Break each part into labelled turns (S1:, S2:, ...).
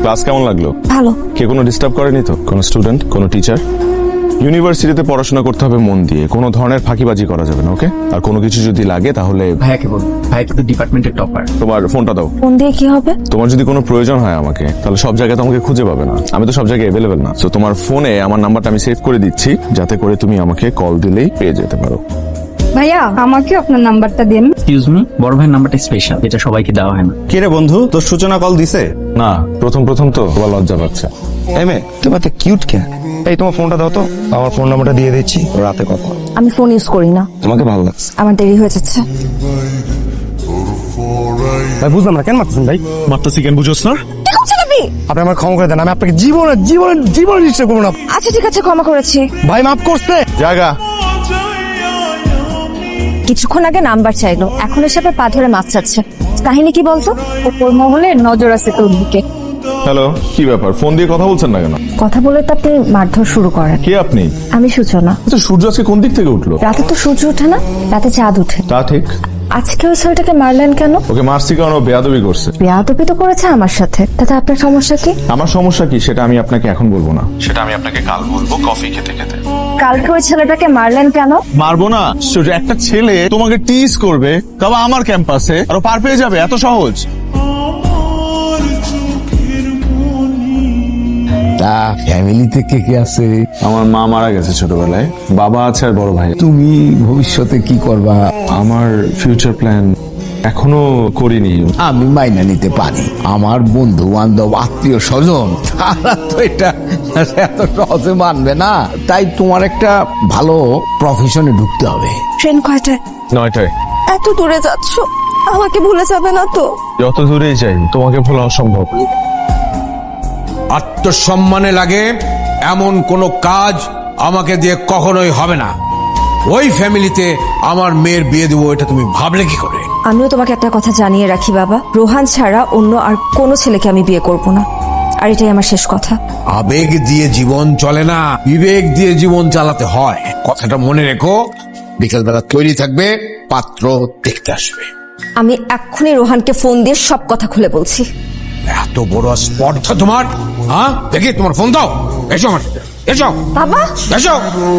S1: Class কেমন লাগলো?
S2: ভালো।
S1: কে কোনো ডিস্টার্ব করেনি তো? কোনো স্টুডেন্ট, কোনো টিচার? ইউনিভার্সিটিতে পড়াশোনা করতে হবে মন দিয়ে, কোনো ধরনের ফাঁকিবাজি করা যাবে না, ওকে? আর কোনো কিছু যদি লাগে তাহলে
S3: ভাইয়াকে বল, ভাই কিন্তু ডিপার্টমেন্টের টপার।
S1: তোমার ফোনটা দাও।
S2: ফোন দিয়ে কি হবে?
S1: তোমার যদি কোনো প্রয়োজন হয় আমাকে, তাহলে সব জায়গায় তোমাকে খুঁজে পাবে না, আমি তো সব জায়গায় অ্যাভেলেবেল না। তো তোমার ফোনে আমার নাম্বারটা আমি সেভ করে দিচ্ছি, যাতে করে তুমি আমাকে কল দিলেই পেয়ে যেতে পারো।
S4: ভাইয়া আমাকে আপনার নাম্বারটা দিন।
S3: এক্সকিউজ মি, বড় ভাইয়ের নাম্বারটা স্পেশাল, এটা সবাইকে দেওয়া হয় না।
S5: কে রে বন্ধু, তোর সূচনা কল দিছে?
S1: না, প্রথম তো তোমার লজ্জা পাচ্ছে।
S5: এমে তোমার তো কিউট কে? এই তোমার ফোনটা দাও তো, আমার ফোন নাম্বারটা দিয়ে দিচ্ছি, রাতে কথা।
S2: আমি ফোন ইউজ করি না।
S5: তোমাকে ভালো লাগছে?
S2: আমার দেরি হয়ে যাচ্ছে।
S5: ভাই বুঝলাম না, কেন মারতেছেন ভাই?
S1: মারতেছি কেন বুঝোস না?
S5: আপনি আমার ক্ষমা করে দেন, আমি আপনাকে জীবনে নিশ্চয় করবো না।
S2: আচ্ছা ঠিক আছে, ক্ষমা করেছি।
S5: ভাই মাফ করছে।
S1: জায়গা
S2: কিছুক্ষণ আগে নাম্বার চাইলো, এখন এসে আবার পা ধরে মাছ চাচ্ছে। কাহিনী কি বলতো?
S4: ওপর মহলে নজর আছে তোর দিকে।
S1: হ্যালো, কি ব্যাপার? ফোন দিয়ে কথা বলছেন না কেন?
S2: কথা বলে তো আপনি মারধর শুরু করেন।
S1: কে আপনি?
S2: আমি সূচনা।
S1: তো সূর্য আজকে কোন দিক থেকে উঠলো?
S2: রাতে তো সূর্য ওঠে না, রাতে চাঁদ ওঠে।
S1: তা ঠিক।
S2: আজকে ওই ছেলেটাকে মারলেন কেন?
S1: ওকে মারছি কারণ ও বেয়াদবি করছে।
S2: বেয়াদবি তো করেছে আমার সাথে, তাতে আপনার সমস্যা কি?
S1: আমার সমস্যা কি সেটা আমি আপনাকে এখন বলবো না, সেটা আমি আপনাকে কাল বলবো কফি খেতে খেতে।
S2: কালকে ওই ছেলেটাকে মারলেন কেন?
S1: মারবো না? সূর্য, একটা ছেলে তোমাকে টিজ করবে, তবে আমার ক্যাম্পাসে, আর ও পার পেয়ে যাবে, এত সহজ?
S6: তা ফ্যামিলিতে কে কে আছে?
S1: আমার মা মারা গেছে ছোটবেলায়, বাবা আছে আর বড় ভাই।
S6: তুমি ভবিষ্যতে কি করবা?
S1: আমার ফিউচার প্ল্যান এখনো করিনি।
S6: আমি মাইনা নিতে পারি, আমার বন্ধু বান্ধব আত্মীয় স্বজন তারা তো এটা এত সহজে মানবে না। তাই তোমার একটা ভালো প্রফেশনে ঢুকতে হবে।
S2: ট্রেন কয়টায়?
S1: 9টায়।
S2: এত দূরে যাচ্ছ, আমাকে ভুলে যাবে না তো?
S1: যত দূরেই যাই তোমাকে ভোলা অসম্ভব।
S7: আত্মসম্মানে লাগে এমন কোনো কাজ আমাকে দিয়ে কখনোই হবে না। ওই ফ্যামিলিতে আমার মেয়ের বিয়ে দেবো, এটা তুমি ভাবলে কি করে?
S2: আমিও তোমাকে একটা কথা জানিয়ে রাখি বাবা, রোহান ছাড়া অন্য আর কোনো ছেলেকে আমি বিয়ে করব না, আর এটাই আমার শেষ কথা।
S7: আবেগ দিয়ে জীবন চলে না, বিবেক দিয়ে জীবন চালাতে হয়, কথাটা মনে রেখো। বিকেলবেলা তৈরি থাকবে, পাত্র দেখতে আসবে।
S2: আমি এক্ষুনি রোহানকে ফোন দিয়ে সব কথা খুলে বলছি।
S7: এত বড় স্পর্ধা তোমার? হ্যাঁ, দেখি তোমার ফোন দাও। এসো আমার সাথে, এসো
S2: বাবা।
S7: এসো।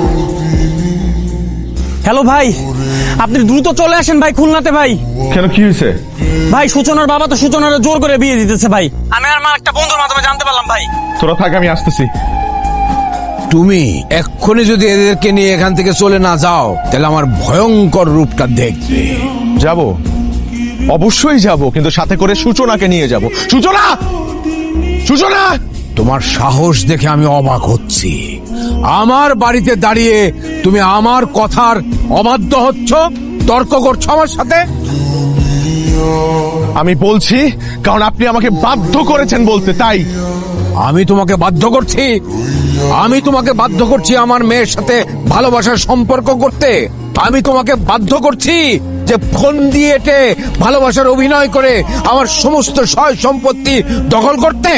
S3: হ্যালো ভাই, আপনি দ্রুত চলে আসেন ভাই, খুলনাতে ভাই।
S1: কেন, কি হয়েছে?
S3: ভাই সূচনার বাবা তো সূচনার জোর করে বিয়ে দিতেছে ভাই, আমি আর আমার একটা বন্ধুর মাধ্যমে জানতে পারলাম ভাই।
S1: তোরা থাক, আমি আসতেছি।
S7: তুমি এক্ষুনি যদি এদেরকে নিয়ে এখান থেকে চলে না যাও, তাহলে আমার ভয়ঙ্কর রূপটা দেখবে।
S1: যাব, অবশ্যই যাব, কিন্তু সাথে করে সূচনাকে নিয়ে যাব। সূচনা, সূচনা!
S7: তোমার সাহস দেখে আমি অবাক হচ্ছি। আমার বাড়িতে দাঁড়িয়ে তুমি আমার কথার অবাধ্য হচ্ছ, তর্ক করছো আমার সাথে।
S1: আমি বলছি কারণ আপনি আমাকে বাধ্য করেছেন বলতে, তাই।
S7: আমি তোমাকে বাধ্য করছি? আমি তোমাকে বাধ্য করছি আমার মেয়ের সাথে ভালোবাসার সম্পর্ক করতে? আমি তোমাকে বাধ্য করছি যে ফোন দিয়ে এটে ভালোবাসার অভিনয় করে আমার সমস্ত সয় সম্পত্তি দখল করতে?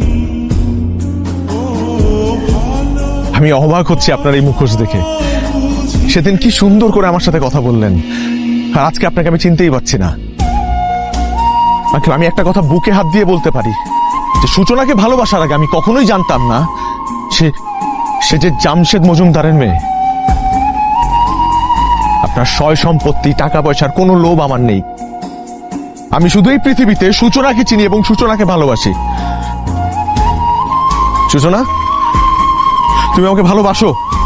S1: আমি অবাক হচ্ছি আপনার এই মুখোশ দেখে। সেদিন কি সুন্দর করে আমার সাথে কথা বললেন, আর আজকে আপনাকে আমি চিনতেই পারছি না। আমি একটা কথা বুকে হাত দিয়ে বলতে পারি, যে সূচনাকে ভালোবাসার আগে আমি কখনোই জানতাম না সে যে জামশেদ মজুমদারের মেয়ে। আপনার সয় সম্পত্তি, টাকা পয়সার কোনো লোভ আমার নেই। আমি শুধু এই পৃথিবীতে সূচনাকে চিনি এবং সূচনাকে ভালোবাসি। সূচনা, তুমি আমাকে ভালোবাসো?